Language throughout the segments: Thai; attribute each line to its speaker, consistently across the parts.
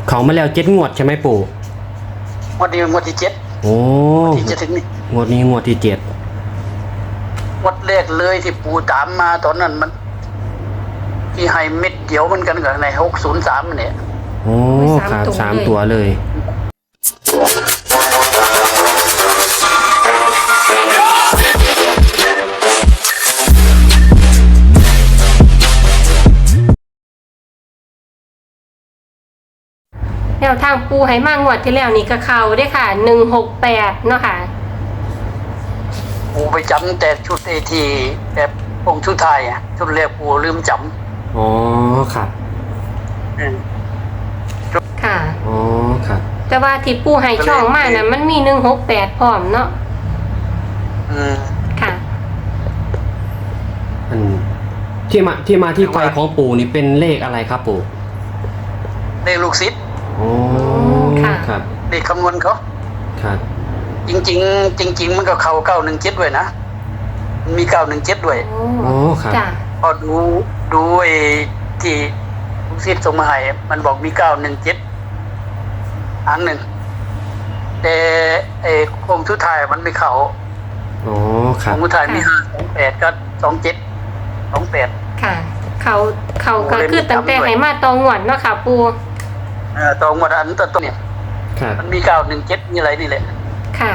Speaker 1: เขามาแล้ว7 งวดใช่ไหมปู่
Speaker 2: งวดนี้งวดที่7
Speaker 1: โอ้
Speaker 2: ที่จะถึงนี่
Speaker 1: งวดนี้งวดที่7
Speaker 2: งวดแรกเลยที่ปู่ตามมาตอนนั้นมันที่ให้เม็ดเดียวมันกันกับใน603เนี่ย
Speaker 1: โอ้ครับ3 ตัวเลย
Speaker 3: แนวทางปูให้มากงวดที่แล้วนี่ก็เข้าได้ค่ะ168เนาะค่ะ
Speaker 2: ปู่ไปจำแต่ชุดเอทีแบบองค์ชุดไทยชุดแรกปู่ลืมจำ
Speaker 1: อ๋อครับ
Speaker 3: ค่ะ
Speaker 1: อ๋อครับ
Speaker 3: แต่ว่าที่ปูให้ช่องมาน่ะมันมี168พร้อมเนาะค่ะ
Speaker 1: ที่มาที่ไปของปู่นี่เป็นเลขอะไรครับปู่
Speaker 2: เลขลูกศิษย์
Speaker 1: โอ้ครับ
Speaker 2: เลขคำนวณเขา
Speaker 1: ครับ
Speaker 2: จริงมันก็เข้า917ด้วยนะมี917ด้วย
Speaker 1: โอ้ครับ
Speaker 2: พอดูไอ้ที่ลูกศิษย์ส่งมาให้มันบอกมี917อันหนึ่งแต่ไอ้โครงชุดไทยมันไม่เข้า
Speaker 1: อ๋อครับ
Speaker 2: โครงชุดไทยมี528ก็2728
Speaker 3: ค่ะเขาก็คือตั้งแต่ให้มาตองวดเนาะค่ะปู
Speaker 2: ตองวดอันต้นเนี่ยมันมี917มีอะไรนี่แหละ
Speaker 3: ค่ะ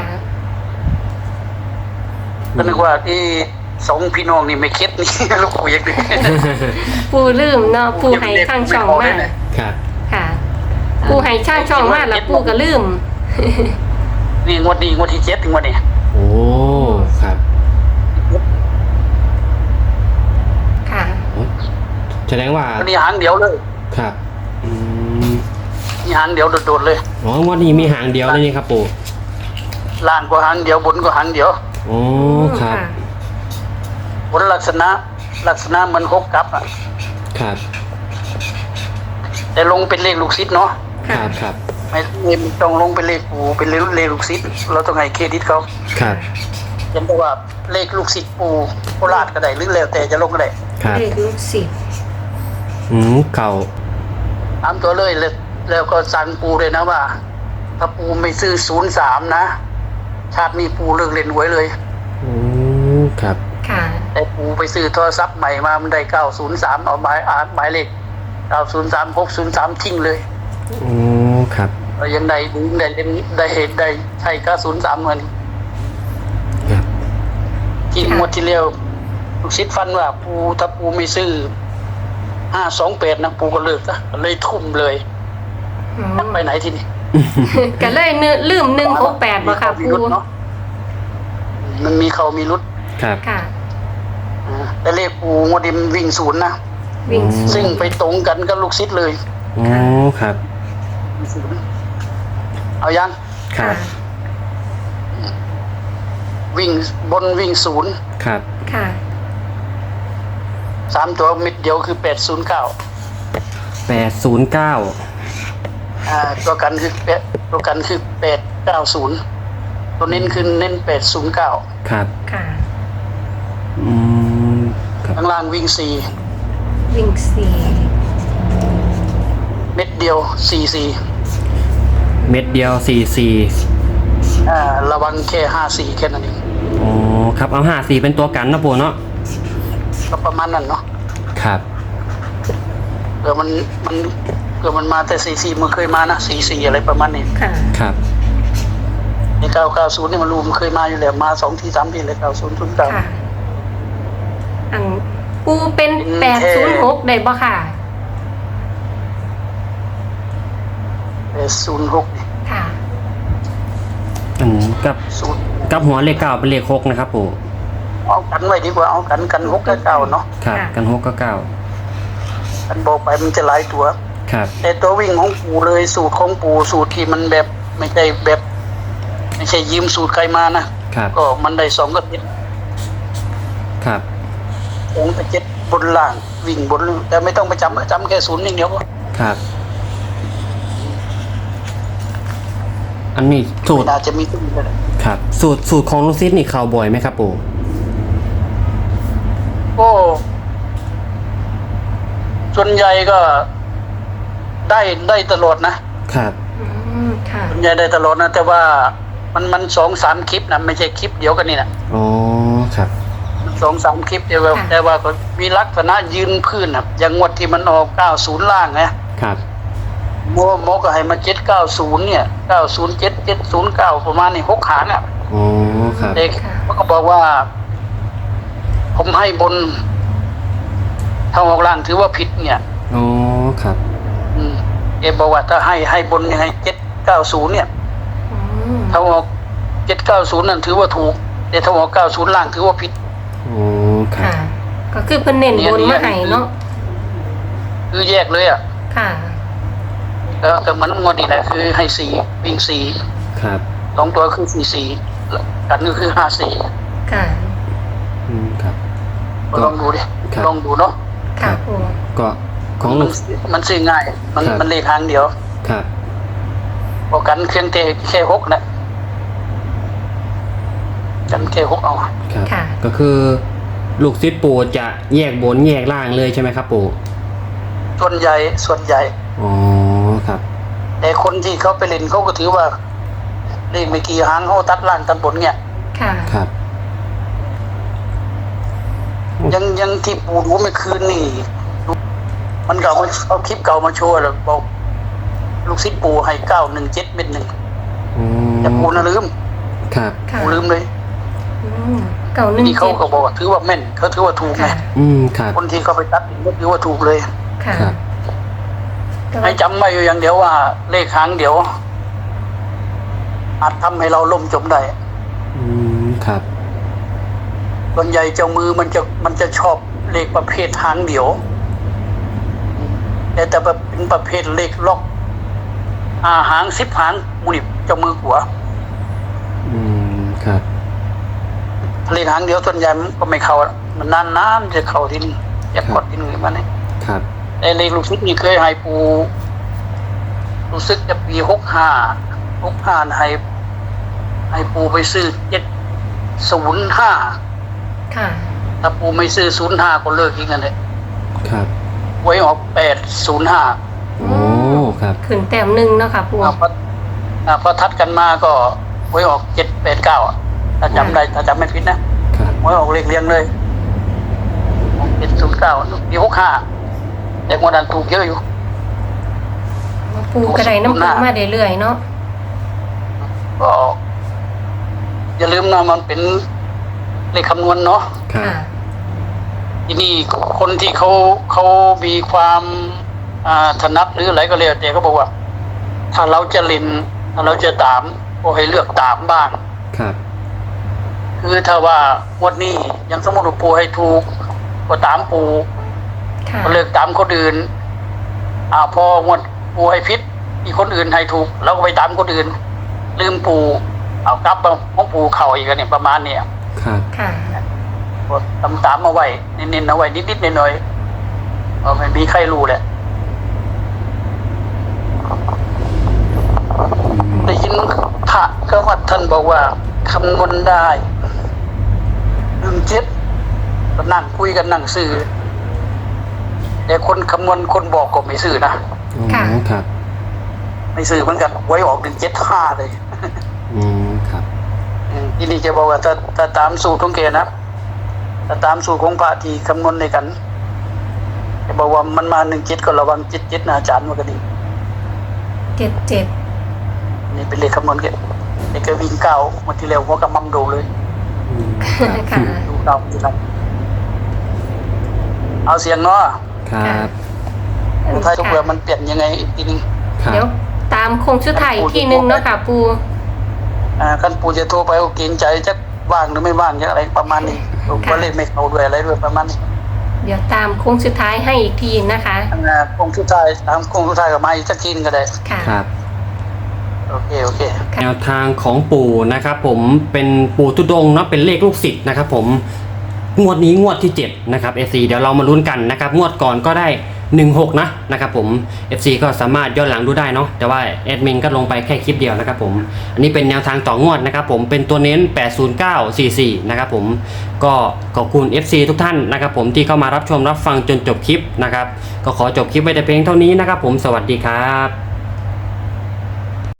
Speaker 2: ก็นึกว่าที่สองพี่น้องนี่ไม่คิดนี่ลูกปู่ยังดึก
Speaker 3: ปูลืมเนาะปูให้ช่างช่องมาก
Speaker 1: ครับ
Speaker 3: ค่ะปูให้ช่างช่องมากแล้วปูก็ลืม
Speaker 2: นี่งวดที่7ถึงวันนี้
Speaker 1: โอ้ครับ
Speaker 3: ค่ะ
Speaker 1: แสดงว่า
Speaker 2: นี่หางเดียวเลย
Speaker 1: ครับ
Speaker 2: มีหางเดียวโดดๆเลย
Speaker 1: อ๋องวดนี้มีหางเดียวเลยนี่ครับปู่
Speaker 2: ล่างก็หางเดียวบนก็หางเดียว
Speaker 1: โอ้ครับ
Speaker 2: บนลักษณะมัน6กับ
Speaker 1: ครับ
Speaker 2: แต่ลงเป็นเลขลูกศิษย์เนาะ
Speaker 1: ครับ
Speaker 2: ไม่ต้องลงเป็นเลขปู่เป็นเลขลูกศิษย์เราต้องให้เครดิตเขา
Speaker 1: ครับ
Speaker 2: ยันแต่ว่าเลขลูกศิษย์ปู่โคราชก็ได้หรือแล้วแต่จะลงก็ได้
Speaker 3: เลขลูกศิษย์
Speaker 1: เก่า
Speaker 2: ตามตัวเลยแล้วก็สั่งปู่เลยนะว่าถ้าปู่ไม่ซื้อ03นะชาตินี้ปู่เลิกเล่นหวยเลย
Speaker 1: ครับ
Speaker 3: ค่ะ
Speaker 2: แต่ปู่ไปซื้อโทรศัพท์ใหม่มามันได้903เอาหมายเลข903 603ทิ้งเลย
Speaker 1: ครับ
Speaker 2: ยังได้เห็นได้ใช่903เหมือน
Speaker 1: ครับ
Speaker 2: ที่หมดที่เร็วลูกศิษย์ฟันว่าปู่ถ้าปู่ไม่ซื้อ528นะปู่ก็เลิกนะเลยทุ่มเลยไปไหนทีนี้
Speaker 3: ก็เลยลืม168บ่ค่ะปู่
Speaker 2: มันมีเขามีรุด
Speaker 1: ครับ
Speaker 3: ค่ะ
Speaker 2: แต่เลขปู่งวดนี้วิ่ง0นะซึ่งไปตรงกันกับลูกศิษย์เลย
Speaker 1: อ๋อครับ
Speaker 2: เอายัง
Speaker 1: ครับ
Speaker 2: วิ่งบนวิ่ง0
Speaker 1: ครับ
Speaker 3: ค่ะ
Speaker 2: 3ตัวมิดเดียวคือ809ตัวกันคือ890ตัวเน้นคือเน้น809
Speaker 1: ครับ
Speaker 3: ค่ะ
Speaker 2: ข้างล่างวิ่ง
Speaker 3: 4
Speaker 2: เม็ดเดียว44
Speaker 1: เม็ดเดียว44
Speaker 2: ระวังแค่54แค่นั้นเอง
Speaker 1: อ๋อครับเอา54เป็นตัวกันนะปู่เนาะ
Speaker 2: ก็ประมาณนั้นเนาะ
Speaker 1: ครับ
Speaker 2: เผื่อมันมาแต่44มันเคยมานะ44อะไรประมาณนี้
Speaker 3: ค่ะ
Speaker 1: ครับ
Speaker 2: ใน990นี่มันรู้มันเคยมาอยู่แล้วมา2ที3ทีเลย9009
Speaker 3: ค่ะปูเป็น806ได้บ่ค่ะ
Speaker 2: 806นี่
Speaker 3: ค่ะ
Speaker 1: กับหัวเลข9เป็นเลข6นะครับปู่
Speaker 2: เอากันไว้ดีกว่าเอากัน6กับ9เนาะ
Speaker 1: ครับกัน6กับ9
Speaker 2: กันบอกไปมันจะหลายตัว
Speaker 1: ครับ
Speaker 2: แต่ตัววิ่งของปู่เลยสูตรของปู่สูตรที่มันแบบไม่ใช่ยืมสูตรใครมานะครับก็มันได้2กับ7
Speaker 1: ครับ
Speaker 2: 2กับ7บนล่างวิ่งบนแต่ไม่ต้องไปจำแค่0อย่างเดียวก็
Speaker 1: ครับอันนี้สูตร
Speaker 2: อาจจะมีตุ้มเลย
Speaker 1: ครับสูตรของลูกศิษย์นี่เข้าบ่อยไหมครับปู่
Speaker 2: ส่วนใหญ่ก็ได้ตลอดนะครับ
Speaker 1: ครับ
Speaker 3: ค่ะ
Speaker 2: ส่วนใหญ่ได้ตลอดนะแต่ว่ามัน2-3 คลิปนะไม่ใช่คลิปเดียวกันนี่นะ
Speaker 1: อ๋อครับ
Speaker 2: 2-3 คลิปแต่ว่าก็มีลักษณะยืนพื้นนะอย่างงวดที่มันออก90ล่างนะครับ โมก็ให้มา790เนี่ย907 709ประมาณนี้6หางอ่ะ
Speaker 1: อ๋อครับ
Speaker 2: เด็กเขาก็บอกว่า ผมให้บนถ้าออกล่างถือว่าผิดเนี่ย
Speaker 1: อ๋อครับ
Speaker 2: เอบอกว่าถ้าให้บนยังไง790เนี่ย
Speaker 3: อืม
Speaker 2: ถ้าออก790นั่นถือว่าถูกแต่ถ้าออก90ล่างถือว่าผิด
Speaker 1: อ๋อครั
Speaker 3: ค่ะ
Speaker 1: บ
Speaker 3: ก็คือเพิ่นเน้นบนมาให้เนาะ
Speaker 2: คือแยกเลยอ่ะ
Speaker 3: ค่ะ
Speaker 2: แล้วแต่มันงวดนี่แหละคือให้4วิ่ง4
Speaker 1: ครับ
Speaker 2: 2ตัวคือ44กันก็คือ54
Speaker 3: ค่ะ
Speaker 1: ครับ
Speaker 2: ลองดูดิ
Speaker 1: ครับ
Speaker 2: ลองดูเนาะ
Speaker 3: ค่ะปู
Speaker 1: ก็ของลูก
Speaker 2: มันซื้อง่ายมันเลขทางเดียว
Speaker 1: ครับ
Speaker 2: พอกันเครื่องเทแค่6นะกันแค่6เอา
Speaker 1: ครับ
Speaker 3: ค่ะ
Speaker 1: ก็คือลูกศิษย์ปู่จะแยกบนแยกล่างเลยใช่ไหมครับปู่
Speaker 2: ส่วนใหญ่
Speaker 1: อ๋อครับ
Speaker 2: แต่คนที่เขาไปเล่นเขาก็ถือว่าเลขไม่กี่หางเขาตัดล่างตัดบนเนี่ย
Speaker 3: ค่ะ
Speaker 1: ครับ
Speaker 2: ยังที่ปูรู้เมื่อคืนนี่มันเก่าเอาคลิปเก่ามาโชว์แล้วบอกลูกศิษย์ปูให้917เม็ดหนึ่ง
Speaker 1: อ๋อ
Speaker 2: แต่ปูน่ะลืม
Speaker 1: ครับ
Speaker 3: ค่ะ
Speaker 2: ปูลืมเลย
Speaker 3: อืมเก่าหนึ่ง
Speaker 2: นี่เขา
Speaker 3: เจ็ด
Speaker 2: ก็บอกว่าถือว่าแม่นเขาถือว่าถูกไง
Speaker 3: ค่ะ
Speaker 1: ครับ
Speaker 2: คนที่เขาไปตัดก็ถือว่าถูกเลย
Speaker 3: ค่ะ
Speaker 1: ครับ
Speaker 3: แต่
Speaker 2: ให้
Speaker 3: ว่า
Speaker 2: จำไว้อยู่อย่างเดียวว่า เลขหางเดียวอาจทำให้เราล่มจมได้
Speaker 1: ครับ
Speaker 2: ส่วนใหญ่เจ้ามือมันจะชอบเลขประเภทหางเดียวแต่เป็นประเภทเลขล็อกหาง10หางมูนิเจ้ามือหัว
Speaker 1: ครับ
Speaker 2: เลขหางเดียวส่วนใหญ่มันก็ไม่เข้าละมันนานๆจะเข้าที่นี่จะกดที่นี่มาเนี่ย
Speaker 1: ครับ
Speaker 2: แต่เลขลูกศิษย์นี่เคยให้ปูรู้สึกจะปี65ให้ปูไปซื้อ705
Speaker 3: ค่ะ
Speaker 2: ถ้าปูไม่ซื้อ05ก็เลิกอีกนั่นแหละ
Speaker 1: ครับ
Speaker 2: ไว้ออก805
Speaker 1: โอ้ครับ
Speaker 3: ขึ้นแต้มหนึ่งเนาะค่ะปู
Speaker 2: พอทัดกันมาก็ไว้ออก789อะถ้าจำได้ถ้าจำไม่ผิดนะครับ ไว้ออกเลขเรียงเลยออก709ปี65แต่งวดนั้นถูกเยอะอยู่
Speaker 3: ปูกระไดน้ำปูมาเรื่อยๆเนาะ
Speaker 2: ก็อย่าลืมนะมันเป็นเลขคำนวณเนาะ
Speaker 1: ครับ
Speaker 3: ค่ะ
Speaker 2: ที่นี่คนที่เขามีความถนัดหรืออะไรก็แล้วแต่เขาบอกว่า ถ้าเราจะเล่นถ้าเราจะตามก็ให้เลือกตามบ้าง
Speaker 1: ครับ
Speaker 2: คือถ้าว่างวดนี้ยังสมมติว่าปูให้ถูกก็ตามปู
Speaker 3: ค่ะ
Speaker 2: ก็เลือกตามคนอื่นพองวดปูให้พิษอีกคนอื่นให้ถูกเราก็ไปตามคนอื่น ลืมปูเอากลับมาของปูเข่าอีกกันเนี่ยประมาณเนี่ย
Speaker 1: ครับ
Speaker 3: ค่ะ
Speaker 2: กดตามเอาไว้เน้นๆเอาไว้นิดๆหน่อยๆไม่มีใครรู้แหละได้ยินพระก็วัดท่านบอกว่าคำนวณได้17ก็นั่งคุยกันนั่งซื้อแต่คนคำนวณคนบอกก็ไม่ซื้อนะ
Speaker 3: ค่ะ
Speaker 1: ครับ
Speaker 2: ไม่ซื้อเหมือนกันไว้ออก175เลย
Speaker 1: ครับ
Speaker 2: ที่นี่จะบอกว่าถ้าตามสูตรของแกนะถ้าตามสูตรของพระที่คำนวณในกันจะบอกว่ามันมา17ก็ระวัง77นะอาจารย์มันก็ดี
Speaker 3: 77
Speaker 2: นี่เป็นเลขคำนวณแกเด็กก็วิ่งเก้าวันที่แล้วหัวกำมังดูเลย
Speaker 3: ค่ะ
Speaker 2: ดูเก้าที่ไรเอาเสียงเนาะ
Speaker 1: ครับ
Speaker 2: ถ้าทุกเรื่องมันเปลี่ยนยังไงอีกทีนึง
Speaker 1: ครับ
Speaker 3: เดี๋ยวตามโคงชุดไทยอีกทีนึงเนาะค่ะปู
Speaker 2: ขั้นปูจะโทรไปก็เกรงใจจะว่างหรือไม่ว่างอะไรประมาณนี้ว่าเลขไม่เข้าด้วยอะไรด้วยประมาณนี้
Speaker 3: เดี๋ยวตามโค้งสุดท้ายให้อีกทีนะคะ
Speaker 2: โคงสุดท้ายตามโคงสุดท้ายกับมาอีกสักทีนึงก็ได้
Speaker 3: ค่ะ
Speaker 1: ครับ
Speaker 2: โอเค
Speaker 3: ค่ะ
Speaker 1: แนวทางของปู่นะครับผมเป็นปู่ทุดงค์เนาะเป็นเลขลูกศิษย์นะครับผมงวดนี้งวดที่7นะครับ FC เดี๋ยวเรามาลุ้นกันนะครับงวดก่อนก็ได้16นะครับผม FC ก็สามารถย้อนหลังดูได้เนาะแต่ว่าแอดมินก็ลงไปแค่คลิปเดียวนะครับผมอันนี้เป็นแนวทางต่องวดนะครับผมเป็นตัวเน้น80944นะครับผมก็ขอบคุณ FC ทุกท่านนะครับผมที่เข้ามารับชมรับฟังจนจบคลิปนะครับก็ขอจบคลิปไว้แต่เพียงเท่านี้นะครับผมสวัสดีครับ